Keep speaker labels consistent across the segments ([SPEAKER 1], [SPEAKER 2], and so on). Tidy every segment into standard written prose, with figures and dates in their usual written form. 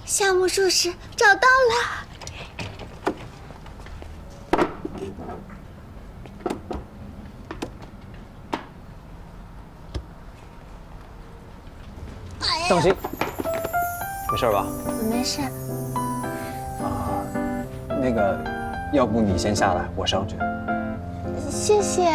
[SPEAKER 1] 夏目漱石找到了。
[SPEAKER 2] 当心，没事吧？
[SPEAKER 1] 没事。
[SPEAKER 2] 那个，要不你先下来，我上去。
[SPEAKER 1] 谢谢。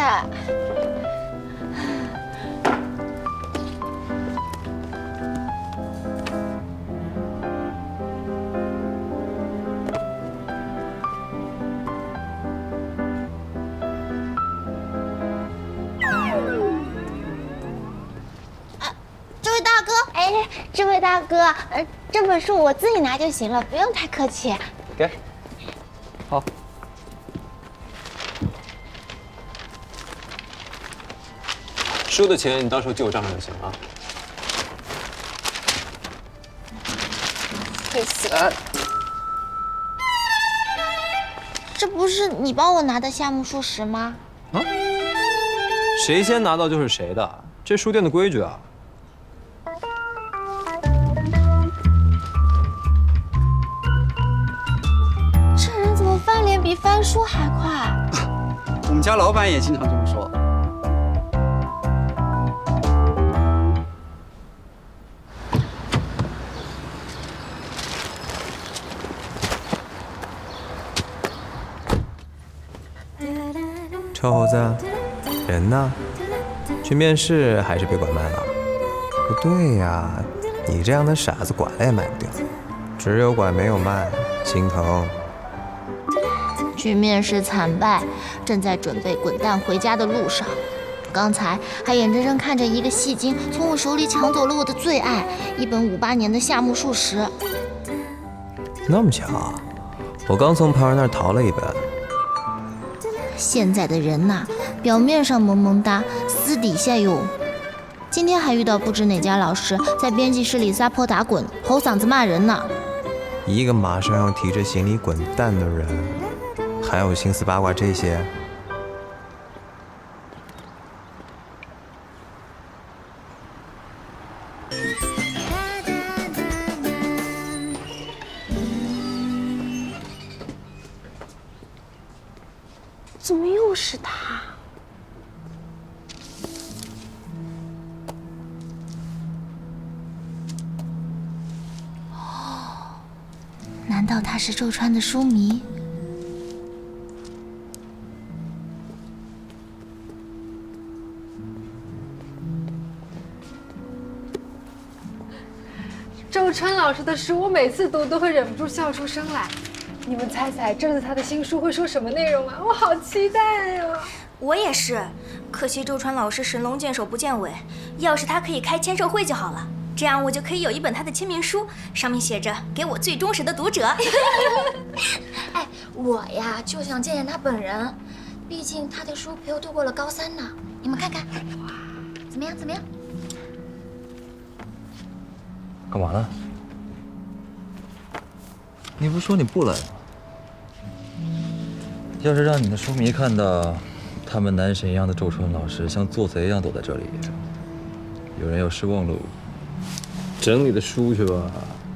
[SPEAKER 1] 这位大哥，这本书我自己拿就行了，不用太客气。
[SPEAKER 2] 给，好。书的钱你到时候记我账上就行了啊。
[SPEAKER 1] 谢谢。这不是你帮我拿的夏目漱石吗？
[SPEAKER 2] 啊？谁先拿到就是谁的，这书店的规矩啊。
[SPEAKER 1] 翻脸比翻书还快，
[SPEAKER 3] 我们家老板也经常这么说。
[SPEAKER 4] 臭猴子，人呢？去面试还是别拐卖了？不对呀，你这样的傻子拐了也卖不掉，只有拐没有卖，心疼。
[SPEAKER 1] 去面试惨败，正在准备滚蛋回家的路上，刚才还眼睁睁看着一个戏精从我手里抢走了我的最爱——一本58年的夏目漱石。
[SPEAKER 4] 那么巧，我刚从旁人那儿淘了一本。
[SPEAKER 1] 现在的人呐，表面上萌萌哒，私底下哟。今天还遇到不知哪家老师在编辑室里撒泼打滚，吼嗓子骂人呢。
[SPEAKER 4] 一个马上要提着行李滚蛋的人，还有心思八卦这些？
[SPEAKER 1] 怎么又是他？哦，难道他是周川的书迷？
[SPEAKER 5] 周川老师的书，我每次读都会忍不住笑出声来。你们猜猜这次他的新书会说什么内容啊？我好期待呀！
[SPEAKER 6] 我也是，可惜周川老师神龙见首不见尾，要是他可以开签售会就好了，这样我就可以有一本他的签名书，上面写着给我最忠实的读者。
[SPEAKER 1] 哎，我呀就想见见他本人，毕竟他的书陪我度过了高3呢。你们看看，哇，怎么样？怎么样？
[SPEAKER 7] 干嘛呢？你不是说你不来吗？要是让你的书迷看到他们男神一样的周川老师像做贼一样躲在这里，有人要失望喽。
[SPEAKER 2] 整理的书去吧。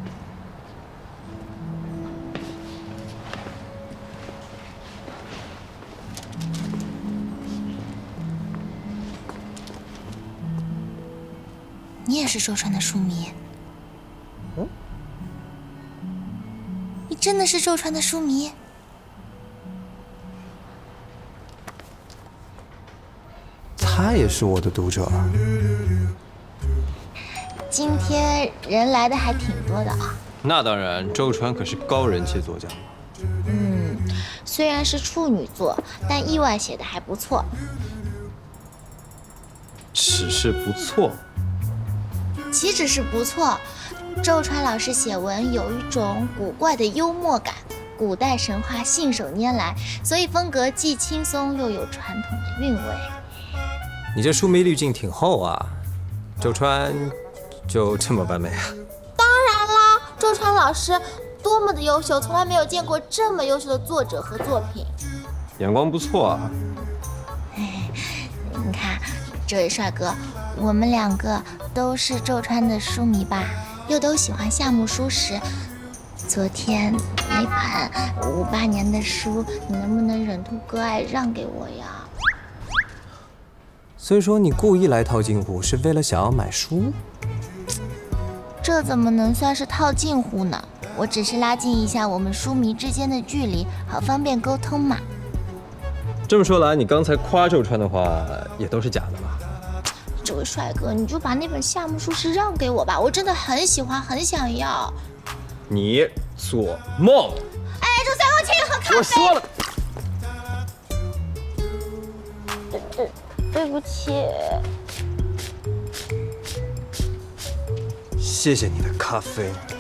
[SPEAKER 1] 你也是周川的书迷？你真的是周川的书迷？
[SPEAKER 4] 他也是我的读者。
[SPEAKER 1] 今天人来的还挺多的啊。
[SPEAKER 2] 那当然，周川可是高人气作家。
[SPEAKER 1] 虽然是处女作，但意外写的还不错。
[SPEAKER 2] 只是不错。
[SPEAKER 1] 岂止是不错，周川老师写文有一种古怪的幽默感，古代神话信手拈来，所以风格既轻松又有传统的韵味。
[SPEAKER 4] 你这书迷滤镜挺厚啊，周川就这么完美啊？
[SPEAKER 1] 当然啦，周川老师多么的优秀，从来没有见过这么优秀的作者和作品。
[SPEAKER 2] 眼光不错啊。
[SPEAKER 1] 你看，这位帅哥，我们两个都是周川的书迷吧，又都喜欢夏目漱石， 昨天那本58年的书，你能不能忍痛割爱让给我呀？
[SPEAKER 4] 所以说你故意来套近乎，是为了想要买书？
[SPEAKER 1] 这怎么能算是套近乎呢？我只是拉近一下我们书迷之间的距离，好方便沟通嘛。
[SPEAKER 2] 这么说来，你刚才夸周川的话也都是假的吧？
[SPEAKER 1] 这位帅哥，你就把那本夏目漱石让给我吧，我真的很喜欢，很想要。
[SPEAKER 2] 你做梦！
[SPEAKER 1] 哎，周三公，请你喝咖啡。
[SPEAKER 2] 我说了，
[SPEAKER 1] 对不起。
[SPEAKER 4] 谢谢你的咖啡。